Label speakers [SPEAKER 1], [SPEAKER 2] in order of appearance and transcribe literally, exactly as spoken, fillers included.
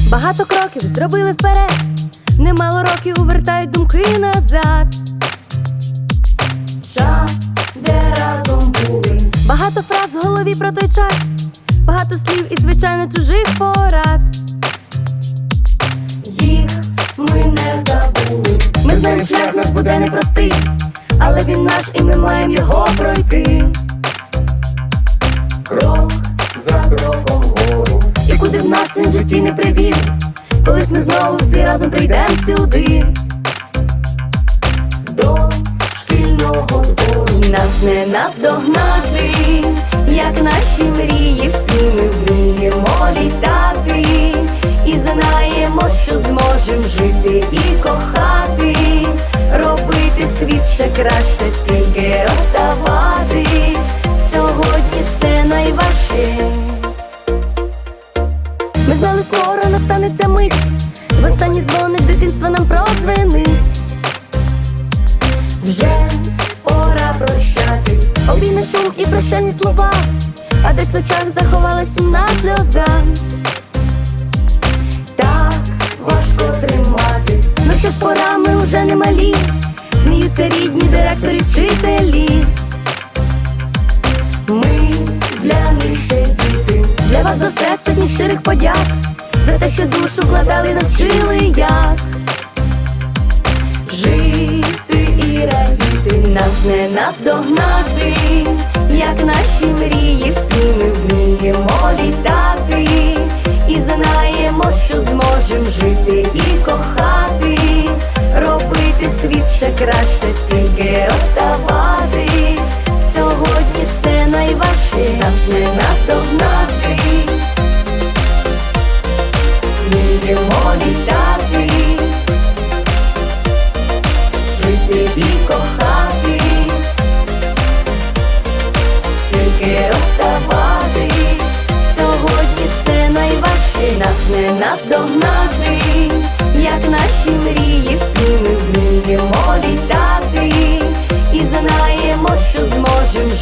[SPEAKER 1] Багато кроків зробили вперед, немало років вертають думки назад. Час, де разом були. Багато фраз в голові про той час, багато слів і, звичайно, чужих порад. Їх ми не забули. Ми знаємо, шлях наш буде непростий, але він наш і ми маємо його пройти. Крок за кроком вгору, і куди в нас він в житті не привів, колись ми знову всі разом прийдемо сюди, до шкільного двору. Нас не наздогнати, як наші мрії, всі ми вміємо літати, і знаємо, що зможем жити і кохати, робити світ ще краще, тільки розставатись. Сьогодні це найважче. Ми знали, скоро настанеться мить, востаннє дзвоник дитинства нам продзвенить. Вже пора прощатись, обійме шум і прощальні слова, а десь в очах заховалась сумна сльоза. Так важко триматись, ну що ж, пора, ми вже не малі, сміються рідні, директори, вчителі. Ми для них ще діти, для вас за все сотні щирих подяк, за те, що душу вкладали, навчили як жити і радіти. Нас не наздогнати, як наші мрії, всі ми вміємо літати, і знаємо, що зможем жити і кохати, робити світ ще краще, тільки розставатись. Сьогодні це найважче, нас не наздогнати, вміємо літати, жити і кохати, тільки розставатись. Сьогодні це найважче, нас не наздогнати, як наші мрії, всі ми вміємо літати, і знаємо, що зможем